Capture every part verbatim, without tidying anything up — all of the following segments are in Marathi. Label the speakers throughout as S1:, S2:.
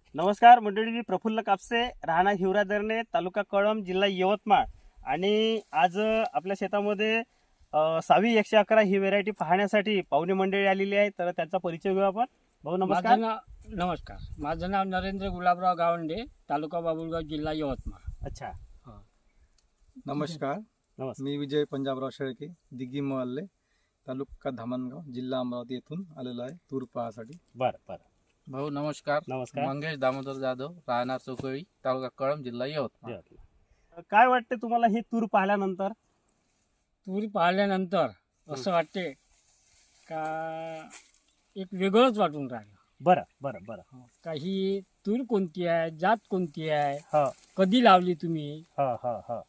S1: नमस्कार मंडळी, मी प्रफुल्ल कापसे, राहणार हिवरादरणे, तालुका कळंब, जिल्हा यवतमाळ. आणि आज आपल्या शेतामध्ये अ, सावी एकशे अकरा ही व्हेरायटी पाहण्यासाठी पाहुणे मंडळी आलेली आहे. तर त्यांचा परिचय घेऊ आपण. भाऊ नमस्कार.
S2: माझं नाव नमस्कार माझं नाव नरेंद्र गुलाबराव गावंडे, तालुका बाबुळगाव, जिल्हा यवतमाळ.
S1: अच्छा,
S3: नमस्कार.
S1: नमस्कार.
S3: मी विजय पंजाबराव शेळके, दिग्गी मोहल्ले, तालुका धामणगाव, जिल्हा अमरावती येथून आलेलो आहे तूर पाहासाठी.
S1: बरं बरं.
S4: भाऊ नमस्कार.
S1: नमस्कार.
S4: मंगेश दामोदर जाधव, राहणार चौकळी, तालुका कळंब, जिल्हा यवतमाळ.
S1: यवतमाळ. काय वाटते तुम्हाला ही तूर पाहिल्यानंतर?
S2: तूर पाहिल्यानंतर असं वाटते का एक वेगळंच वाटून राहिलं.
S1: बरं बरं बरं.
S2: का ही तूर कोणती आहे, जात कोणती आहे,
S1: हो
S2: कधी लावली तुम्ही?
S1: हो हो हो.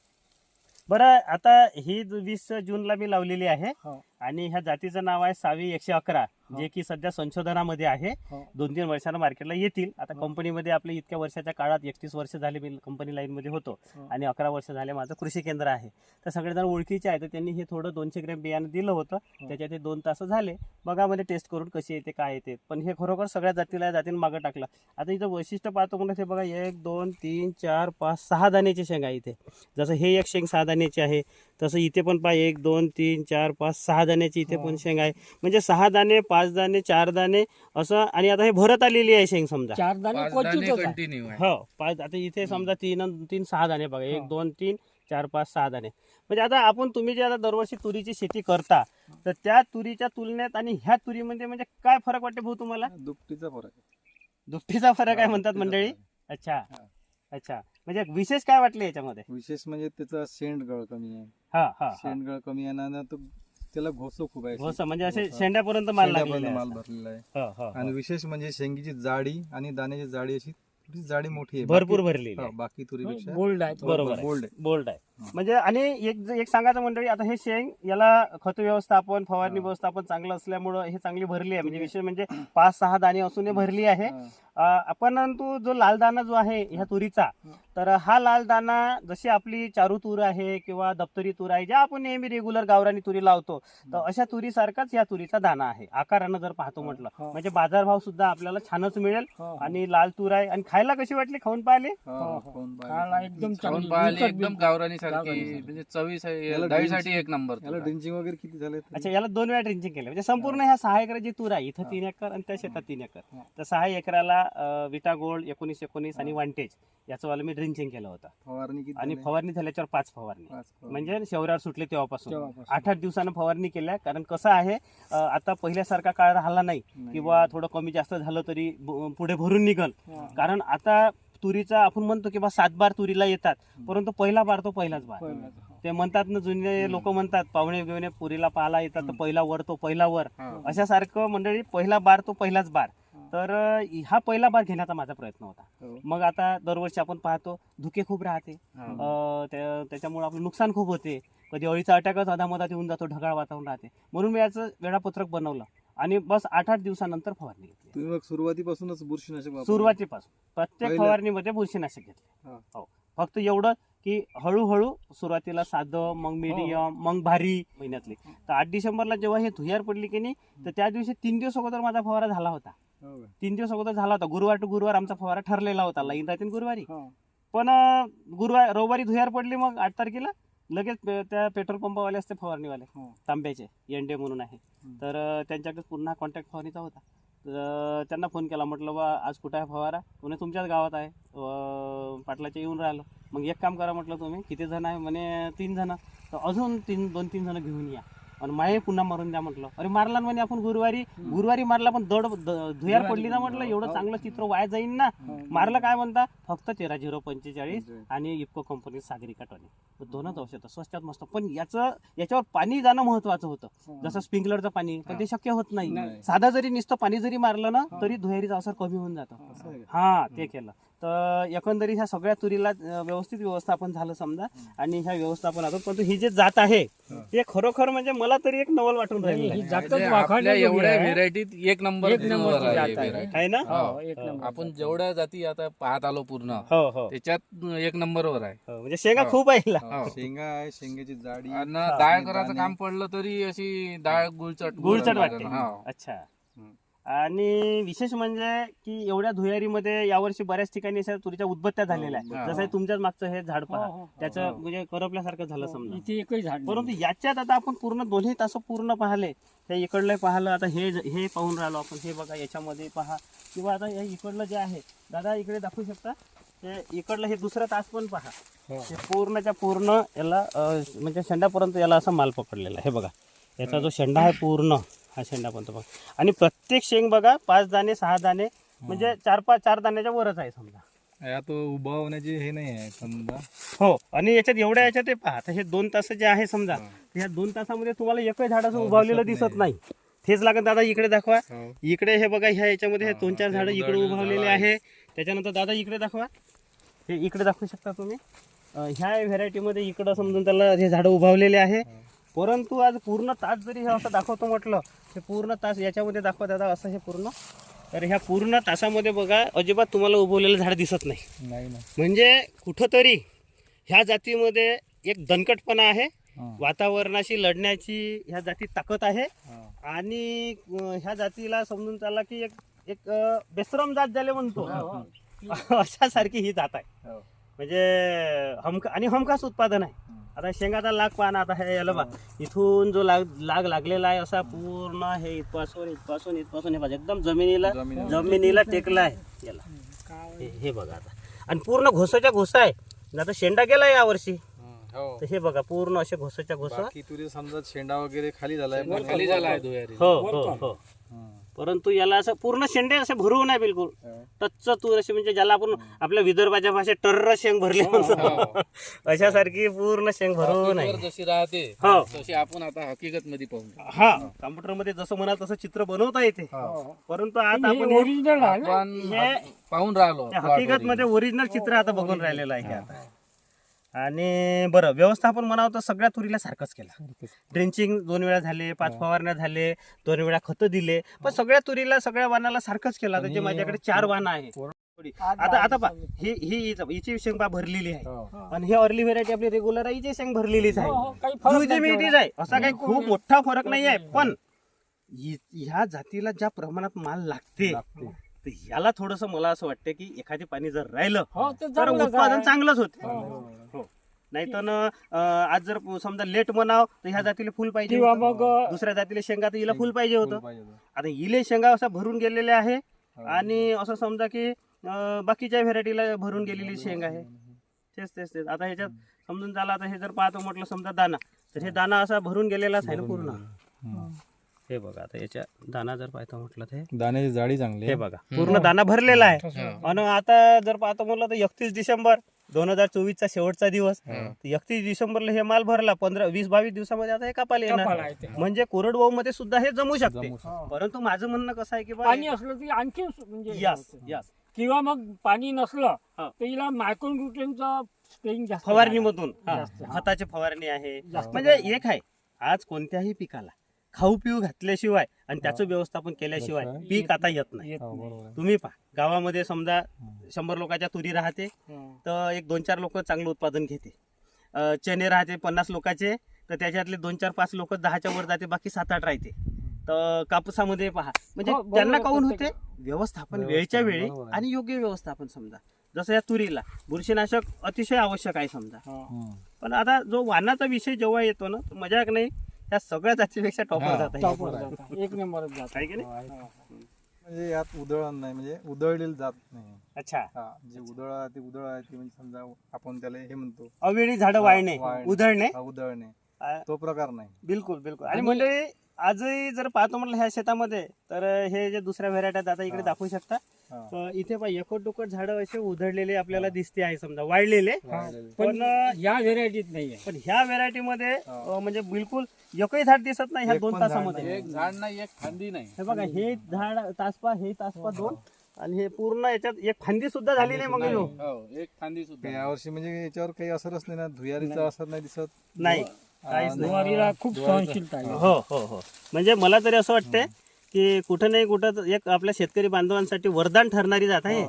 S1: बरं, आता ही वीस जूनला मी लावलेली आहे
S2: हो.
S1: आणि ह्या जातीचं नाव आहे सावी एकशे अकरा,
S2: हो.
S1: जे की सध्या संशोधनामध्ये आहे.
S2: हो.
S1: दोन तीन वर्षांना मार्केटला येतील. आता
S2: हो.
S1: कंपनीमध्ये आपल्या इतक्या वर्षाच्या काळात एकतीस वर्ष झाले मी कंपनी लाईनमध्ये होतो
S2: हो.
S1: आणि अकरा वर्ष झाले माझं कृषी केंद्र आहे. तर सगळेजण ओळखीचे आहे, तर त्यांनी हे थोडं दोनशे ग्रॅम बियाणं दिलं होतं. त्याच्यात हे दोन तास झाले बघामध्ये टेस्ट करून कशी येते काय येते. पण हे खरोखर सगळ्या जातीला या जातीने मागं टाकलं. आता इथं वैशिष्ट्य पाहतो म्हणजे हे बघा, एक दोन तीन चार पाच सहा दाण्याची शेंग आहे इथे. जसं हे एक शेंग सहा दाण्याची आहे, तसं इथे पण पहा एक दोन तीन चार पाच सहा दाण्याची इथे पण शेंग आहे. म्हणजे सहा दाणे, पाच दाणे, चार दाणे असं. आणि आता हे भरत आलेली आहे शेंग समजा.
S2: चार दाणे
S4: पाच
S2: क्वचितच
S4: दाणे
S2: आहे.
S4: कंटिन्यू आहे.
S1: हो, पाच. आता इथे समजा तीन अन तीन सहा दाणे बघा, एक
S2: हो.
S1: दोन तीन चार पाच सहा दाणे. म्हणजे आता आपण तुम्ही जे आता दरवर्षी तुरीची शेती करता, तर त्या तुरीच्या तुलनेत आणि ह्या तुरीमध्ये म्हणजे काय फरक वाटते भाऊ तुम्हाला?
S3: दुपटीचा फरक आहे.
S1: दुपटीचा फरक आहे
S3: हा,
S1: म्हणतात
S3: दुपटीचा
S1: मंडळी.
S3: फरक आहे.
S1: अच्छा
S3: हा.
S1: अच्छा. म्हणजे विशेष काय वाटले याच्यामध्ये?
S3: विशेष म्हणजे त्याचा शेंडगळ कमी आहे.
S1: हा हा हा.
S3: शेंडगळ कमी आहे ना, तो त्याला घोसो खूप आहे.
S1: घोसा म्हणजे असे
S3: घोसा.
S1: शेंड्यापर्यंत माल
S3: शेंड्यापर्यंत
S1: लागलेला
S3: माल
S1: आहे.
S3: भरलेला आहे.
S1: हो, हो,
S3: आणि
S1: हो.
S3: विशेष म्हणजे शेंगीची जाडी आणि दाण्याची जाडी अशी थोडी जाडी मोठी आहे.
S1: भरपूर
S3: बाकी-
S1: भरलेली
S3: हो,
S1: आहे.
S3: बाकी तुरीपेक्षा
S2: बोल्ड आहे.
S1: बरोबर आहे.
S3: बोल्ड आहे.
S1: बोल्ड आहे.
S3: हा.
S1: म्हणजे आणि एक एक सांगायचं मंडळी, आता हे शेंग याला खत व्यवस्थापन, फवारणी
S3: हा.
S1: व्यवस्थापन चांगलं असल्यामुळं हे चांगली भरली आहे. म्हणजे विशेष म्हणजे पाच सहा दाणे असून हे भरली आहे.
S3: हा.
S1: अ, परंतु जो लाल दाणा जो आहे ह्या तुरीचा, तर हा लाल दाणा जशी आपली चारू तूर आहे किंवा दप्तरी तूर आहे, ज्या आपण नेहमी रेग्युलर गावरानी तुरी लावतो, तर अशा तुरीसारखाच या तुरीचा दाणा आहे आकारानं जर पाहतो म्हटलं.
S2: हो.
S1: म्हणजे बाजारभाव सुद्धा आपल्याला छानच मिळेल.
S2: हो.
S1: आणि लाल तूर आहे. आणि खायला कशी वाटली, खाऊन पाहिले?
S3: हा,
S2: हो, हो.
S3: खाऊन पाहिलं.
S2: खायला एकदम
S4: खाऊन
S2: चांगली,
S4: पाहिली,
S2: विकत
S4: एकदम
S2: बिलकुल.
S4: गावरानी सारखी,
S2: गावरानीसारखी.
S4: म्हणजे चवी
S3: याला
S4: डाळीसाठी
S3: ड्रिंच-
S4: एक नंबर.
S3: याला ड्रिंचिंग वगैरे किती झाले?
S1: अच्छा, याला दोन वेळा ड्रिंचिंग केलं. म्हणजे संपूर्ण ह्या सहा एकर जी तूर आहे, इथं
S3: हा.
S1: तीन एकर आणि त्या शेतात तीन एकर,
S3: हा.
S1: तर सहा एकराला अ, विटा गोल्ड एकोणीस एकोणीस आणि
S3: हा.
S1: वांटेज याचं वाला मी ड्रिंचिंग केलं होतं.
S3: फवारणी किती
S1: आणि
S3: झाली?
S1: फवारणी झाल्याच्यावर पाच फवारणी,
S3: पाच फवारणी.
S1: म्हणजे शौर्यावर सुटले तेव्हापासून
S2: तेव्हापासून.
S1: आठ आठ दिवसानं फवारणी केल्या. कारण कसं आहे, अ, आता पहिल्यासारखा काळ राहिला नाही,
S3: नाही.
S1: किंवा थोडं कमी जास्त झालं तरी ब- पुढे भरून निघल.
S2: हा.
S1: कारण आता तुरीचा आपण म्हणतो की बा सात बार तुरीला येतात, परंतु पहिला बार तो पहिलाच बार.
S2: पहिलं.
S1: ते म्हणतात ना, जुने लोक म्हणतात, पाहुणे बिवणे पुरीला पाहायला येतात तर पहिला वर तो पहिला वर.
S4: हा.
S1: अशासारखं मंडळी, पहिला बार तो पहिलाच बार. तर अ, हा पहिला बार घेण्याचा माझा प्रयत्न होता.
S3: हो.
S1: मग आता दरवर्षी आपण पाहतो धुके खूप राहते,
S4: हा.
S1: अ, त्या- त्याच्यामुळे आपलं नुकसान खूप होते. कधी अळीचा अटॅकच अधामधात येऊन जातो, ढगाळ वातावरण राहते. म्हणून मी याचं वेळापत्रक बनवलं आणि बस आठ आठ दिवसानंतर फवारणी घेतली.
S3: तुम्ही मग सुरुवातीपासूनच बुरशीनाशक वापरलं?
S1: सुरुवातीपासून प्रत्येक
S3: पहिलं-
S1: फवारणीमध्ये बुरशीनाशक घेतले.
S3: हा.
S1: हो, फक्त एवढं की हळूहळू सुरुवातीला साधं, मग मीडियम, मग भारी महिन्यातली. तर आठ डिसेंबरला जेव्हा हे धुयार पडली की नाही, तर त्या दिवशी तीन दिवस अगोदर माझा फवारा झाला होता.
S3: हो का?
S1: तीन दिवस अगोदर झाला होता. गुरुवार टू गुरुवार आमचा फवारा ठरलेला होता. लाईन राहते ना गुरुवारी.
S2: हो.
S1: पण अं, गुरुवार रविवारी धुयार पडली, मग आठ तारखेला लगेच पे- त्या पेट्रोल पंपावाले असते फवारणीवाले,
S2: हो.
S1: तांब्याचे एनडे म्हणून आहे.
S3: हम्म.
S1: तर अं, त्यांच्याकडे पुन्हा कॉन्टॅक्ट फवारणीचा होता. तर अं, त्यांना फोन केला, म्हटलं बा आज कुठं आहे फवारा? म्हणे तुमच्याच गावात आहे, अं, पाटलाच्या येऊन राहिलो. मग एक काम करा म्हटलं, तुम्ही किती जण आहे? म्हणे तीन जण. तर अजून तीन दोन तीन जण घेऊन या आणि माये पुन्हा मारून द्या म्हटलं. अरे मारला ना म्हणे आपण गुरुवारी. गुरुवारी मारला, पण दड द- धुयार पडली ना म्हटलं, एवढं चांगलं चित्र वाया जाईन ना. मारलं काय म्हणता, फक्त तेरा झिरो पंचेचाळीस आणि इफको कंपनी सागरिका टॉनिक, दोनच औषधं स्वस्तात मस्त. पण याचं याच्यावर पाणी जाणं महत्वाचं होतं, जसं स्प्रिंकलरचं पाणी, पण ते शक्य होत नाही.
S3: नाही.
S1: साधा जरी नुसतं पाणी जरी मारलं ना, तरी धुयारीचा अवसर कमी होऊन जातो.
S3: असं आहे का?
S1: हा, ते केलं. तर एकंदरीत ह्या सगळ्या तुरीला अं, व्यवस्थित व्यवस्थापन झालं समजा. आणि ह्या व्यवस्थापनातून परंतु ही जे जात आहे, ते खरोखर म्हणजे मला तरी एक नवल वाटून राहिलेलं
S2: ही
S1: आहे.
S2: जातच
S4: म्हणजे
S2: वाखाणण्याजोगी
S4: आपल्या एवढ्या
S2: आहे.
S4: व्हेरायटीत एक नंबर
S2: एक नंबरची
S4: आहे
S2: जात
S4: ही
S2: आहे.
S4: variety.
S1: आहे ना?
S2: हो, एक नंबर.
S4: आपण जेवढ्या जाती आता पाहत आलो पूर्ण,
S1: हो हो
S4: त्याच्यात एक नंबरवर आहे.
S1: हो. म्हणजे शेंगा
S4: हो.
S1: खूप आहे हिला.
S4: हो.
S3: शेंगा आहे, शेंगाची जाडी.
S4: आणि
S1: हा.
S4: डाळ
S3: आणि
S4: करायचं
S3: दाणे.
S4: काम पडलं तरी अशी डाळ गुळचट
S1: गुळचट वाटते.
S4: हा.
S1: अच्छा.
S3: हम्म.
S1: आणि विशेष म्हणजे की एवढ्या धुयारीमध्ये यावर्षी बऱ्याच ठिकाणी अशा तुरीच्या उदबत्त्या झालेल्या
S4: हा.
S1: आहेत. जसं हे तुमच्याच मागचं हे झाड पहा,
S2: हो, हो.
S1: त्याचं म्हणजे करपल्यासारखं झालं
S2: हो,
S1: समजा.
S2: इथे एकही झाड नाही.
S1: परंतु याच्यात आता आपण पूर्ण दोन्ही तास पूर्ण पाहिले, त्या इकडलं पाहिलं, आता हे हे पाहून राहिलो आपण. हे बघा याच्यामध्ये पहा, किंवा आता हे इकडलं जे आहे, दादा इकडे दाखवू शकता, हे इकडलं हे दुसरं तास पण पहा. हे पूर्णच्या पूर्ण याला अं, म्हणजे शेंडापर्यंत याला असा माल पकडलेला आहे. हे बघा याचा जो शेंडा आहे पूर्ण हा शेंडापर्यंत बघा. आणि प्रत्येक शेंग बघा पाच दाणे सहा दाणे म्हणजे चार पाच चार दाण्याच्या वरच आहे समजा.
S3: यात उभा होण्याची हे नाही आहे समजा.
S1: हो, आणि याच्यात एवढ्या याच्यात हे पहा, आता हे दोन तास जे आहे समजा, या दोन तासामध्ये तुम्हाला एकही झाडाचं उभावलेलं दिसत नाही. तेच लागत दादा इकडे दाखवा. इकडे हे बघा ह्या याच्यामध्ये हे दोन चार झाडं इकडे उभावलेले आहे. त्याच्यानंतर दादा इकडे दाखवा, हे इकडे दाखवू शकता तुम्ही. अं, ह्या व्हेरायटीमध्ये इकडं समजून त्याला हे झाडं उभावलेले आहे. परंतु आज पूर्ण तास जरी हे असं दाखवतो म्हटलं, हे पूर्ण तास याच्यामध्ये दाखवा दादा असं हे पूर्ण, तर ह्या पूर्ण तासामध्ये बघा अजिबात तुम्हाला उभवलेलं झाड दिसत नाही.
S3: नाही ना.
S1: म्हणजे कुठंतरी ह्या जातीमध्ये एक दणकटपणा आहे, वातावरणाशी लढण्याची ह्या जातीत ताकद आहे. आणि अं, ह्या जातीला समजून चालला की एक एक अं, बेसरम जात ज्याला म्हणतो अशा सारखी ही जात आहे. म्हणजे हमका आणि हमखास उत्पादन आहे. आता शेंगाचा लाग पाहा ना, आता हे याला बा इथून जो लाग लाग लागलेला आहे असा पूर्ण हे इथपासून इथपासून इथपासून हे बघा एकदम जमिनीला जमिनीला टेकला आहे याला. हे- हे बघा आता, आणि पूर्ण घोसाच्या घोसा आहे. आता शेंडा गेला या वर्षी, तर हे बघा पूर्ण असे घोसाच्या घोसा.
S3: बाकी तुरी समजा शेंडा वगैरे खाली झालाय पण
S4: खाली झाला आहे धुयारी.
S1: हो हो हो. परंतु याला असं पूर्ण शेंडे असे भरू नाही बिलकुल. टच्च तूर अशी, म्हणजे ज्याला आपण आपल्या विदर्भाच्या भाषेत टर्र शेंग भरली म्हणतो, अशासारखी पूर्ण शेंग भरू नाही.
S4: वर जशी राहते
S1: हो.
S4: तशी आपण आता हकीकत मध्ये पाहू.
S1: हा, कॉम्प्युटर मध्ये जसं म्हणाल तसं चित्र बनवता येते. परंतु आता आपण हे-
S2: ओरिजिनल आहे ना?
S4: आपण
S1: हे
S4: पाहून राहिलो
S1: हकीकत मध्ये ओरिजिनल चित्र आता बघून राहिलेलं आहे हे आता. आणि बरं, व्यवस्थापन म्हणावं तर सगळ्या तुरीला सारखंच केलं. ड्रेंचिंग दोन वेळा झाले, पाच फवारण्या झाले, दोन वेळा खतं दिले, पण सगळ्या तुरीला सगळ्या वाणाला सारखंच केलं. आता जे माझ्याकडे चार वाण आहे, आता आता पा ही ही हिची शेंग पा भरलेली आहे, आणि ही अर्ली व्हेरायटी आपली रेग्युलर आहे, हिची शेंग भरलेलीच
S2: हो, हो,
S1: आहे.
S2: काही फरक
S1: जुईची
S2: नाही
S1: मिळतीच आहे, असा काही खूप मोठा फरक नाही आहे. पण हि- ह्या जातीला ज्या प्रमाणात माल लागते, तर याला थोडस मला असं वाटतं की एखादी पाणी जर राहिलं
S2: हो, ते
S1: तर
S2: चांगलंच
S1: उत्पादन
S2: आहे.
S1: चांगलंच होते.
S2: हो.
S1: नाही तर आज जर समजा लेट म्हणाव तर ह्या जातीला फुल पाहिजे
S2: किंवा
S1: होतं.
S2: मग
S1: दुसऱ्या जातीला शेंगा तर हिला फुल पाहिजे होतं. आता इले शेंगा असा भरून गेलेले आहे, आणि असं समजा की अं, बाकीच्या व्हेरायटीला भरून गेलेली शेंग आहे. तेच तेच तेच आता ह्याच्यात समजून झाला. आता हे जर पाहतो म्हटलं समजा दाना, तर हे दाना असा भरून गेलेलाच आहे ना पूर्ण. हे बघा आता याच्या दाना जर पाहतो म्हटलं तर हे-
S3: दाण्याची जाडी चांगली
S1: हे बघा पूर्ण दाना भरलेला आहे. आणि आता जर पाहतो म्हटलं तर एकतीस डिसेंबर दोन हजार चोवीस चा शेवटचा दिवस, एकतीस डिसेंबरला हे माल भरला, पंधरा वीस बावीस दिवसामध्ये आता हे कापायला
S2: कापायला
S1: येणार.
S2: येते.
S1: म्हणजे कोरडवाहू मध्ये सुद्धा हे जमू शकते. परंतु माझं म्हणणं कसं आहे की बा
S2: पाणी असलं की आणखी म्हणजे
S1: यस यस
S2: किंवा मग पाणी नसलं
S1: हा.
S2: तर हिला मायक्रोन्यूट्रियनचा स्प्रेइंग जास्त
S1: फवारणीमधून हा,
S2: जास्त.
S1: खताची फवारणी आहे.
S2: जास्त.
S1: म्हणजे एक आहे, आज कोणत्याही पिकाला खाऊ पिऊ घातल्याशिवाय आणि त्याचं व्यवस्थापन केल्याशिवाय पीक आता येत नाही.
S2: येत नाही.
S1: तुम्ही पहा गावामध्ये समजा शंभर लोकांच्या तुरी राहते,
S2: हं.
S1: तर एक दोन चार लोक चांगलं उत्पादन घेते. अं, चणे राहते पन्नास लोकांचे, तर त्याच्यातले दोन चार पाच लोक दहाच्या वर जाते, बाकी सात आठ राहते. तर कापूसामध्ये पहा म्हणजे
S2: हो, बरोबर,
S1: त्यांना काऊन होते
S2: प्रत्येक-
S1: व्यवस्थापन वेळच्या वेळी आणि योग्य व्यवस्थापन. समजा जसं या तुरीला बुरशीनाशक अतिशय आवश्यक आहे समजा.
S2: हं.
S1: पण आता जो वाणाचा विषय जेव्हा येतो ना, तर मजाक नाही, त्या सगळ्या जातीपेक्षा टॉपर जात
S2: टॉपवर
S1: आहे.
S2: जातात. एक नंबरच जात
S1: आहे की नाही?
S3: म्हणजे यात उधळण नाही, म्हणजे उधळलेली जात नाही.
S1: अच्छा,
S3: हा, जे उधळ आहे ते उधळ आहे ते म्हणजे समजा आपण त्याला हे म्हणतो
S1: अवेळी झाडं वाळणे,
S3: वाळणे.
S1: उधळणे,
S3: हा, उधळणे
S1: आ,
S3: तो प्रकार नाही.
S1: बिलकुल बिलकुल. आणि म्हणजे आजही जर पाहतो म्हटलं ह्या शेतामध्ये, तर हे जे दुसऱ्या व्हेरायट्या आता इकडे दाखवू शकता,
S3: हा.
S1: तर इथे पहा एकट दुकट झाडं असे उधळलेले आपल्याला दिसते आहे समजा, वाळलेले.
S3: वाळलेले.
S2: पण
S1: पण अं,
S2: या व्हेरायटीत नाही आहे.
S1: पण ह्या व्हेरायटी मध्ये अं, म्हणजे बिलकुल एकही झाड दिसत नाही ह्या
S3: एक
S1: दोन
S3: पण झाड
S1: तासामध्ये.
S4: एक झाड नाही एक फांदी नाही.
S1: हे बघा हे झाड तासपा हे तासपा दोन, आणि हे पूर्ण याच्यात एक फांदी सुद्धा झाली नाही मग ह्यो.
S4: हो, एक फांदी सुद्धा
S3: यावर्षी म्हणजे याच्यावर काही असरच नाही ना, धुयारीचा असर नाही दिसत.
S1: नाही काहीच नाही.
S2: ज्वारीला खूप सहनशीलता आहे.
S1: हो हो हो. म्हणजे मला तरी असं वाटतंय की कुठं नाही कुठं तर एक आपल्या शेतकरी बांधवांसाठी वरदान ठरणारी जात आहे.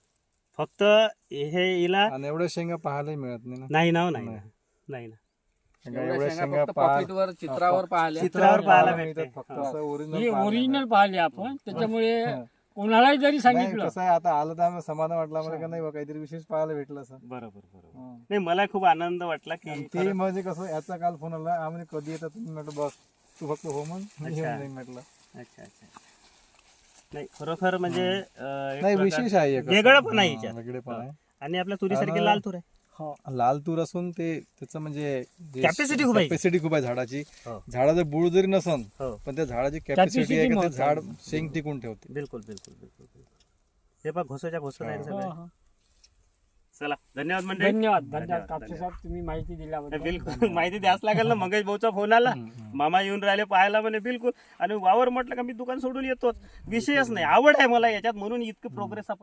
S1: फक्त हे हिला
S3: आणि एवढ्या शेंगा पाहायला मिळत नाही ना.
S1: नाही ना, नाही ना, नाही ना.
S3: शेंगा
S4: एवढ्या
S3: एवढ्या
S4: शेंगा
S3: शेंगा
S4: फक्त
S3: पाहा-
S4: पॉकेटवर चित्रावर पाहिल्या
S1: चित्रावर पाहायला
S3: पाहायला
S1: भेटते.
S3: मिळतात फक्त
S1: हा.
S3: असं
S2: ही
S3: ओरिजिनल
S2: ओरिजिनल पाहिली आपण त्याच्यामुळे कोणालाही जरी सांगितलं
S3: कसं आहे आता आलं तर आम्ही समाधान वाटलं आम्हाला का नाही बा काहीतरी विशेष पाहायला भेटलं असं
S1: बरोबर बरोबर
S3: हं.
S1: नाही मला खूप आनंद वाटला की
S3: आणि ते
S1: खरंच-
S3: म्हणजे कसं याचा काल फोन आला आम्ही कधी येतात तुम्ही म्हटलं बस तू फक्त हो मग मी
S1: अच्छा.
S3: येऊन जाईन म्हटलं
S1: अच्छा अच्छा नाही खरोखर म्हणजे अं, एक
S3: नाही
S1: प्रकार-
S3: विशेष आहे एक असं.
S1: वेगळं पण आहे
S3: हं,
S1: याच्यात.
S3: वेगळे पण आहे
S1: आणि आपल्या तुरीसारखी
S3: आणि-
S1: लाल तूर आहे
S2: हो
S3: लाल तूर असून ते त्याचं म्हणजे
S1: Capacity खूप आहे.
S3: कॅपॅसिटी खूप आहे झाडाची
S1: हो.
S3: झाडाचं बुड जरी नसन
S1: हो
S3: पण त्या झाडाची
S2: Capacity
S3: कॅपॅसिटी आहे का ते
S2: महत्वाची.
S3: झाड शेंग टिकून ठेवते
S1: बिलकुल बिलकुल बिलकुल बिलकुल. हे पहा घोसाच्या घोसत आहे
S2: हो,
S1: सगळे
S2: हो.
S1: चला धन्यवाद मंडळी
S2: धन्यवाद
S1: धन्यवाद,
S2: धन्यवाद कापसे
S1: धन्यवाद.
S2: साहेब तुम्ही माहिती दिल्याबद्दल
S1: बिलकुल माहिती द्यास लागेल ना मंगेश भाऊचा फोन आला मामा येऊन राहिले पाहायला म्हणे बिलकुल आणि वावर म्हटलं का मी दुकान सोडून येतोच विषयच नाही आवड आहे मला याच्यात म्हणून इतकं प्रोग्रेस आपण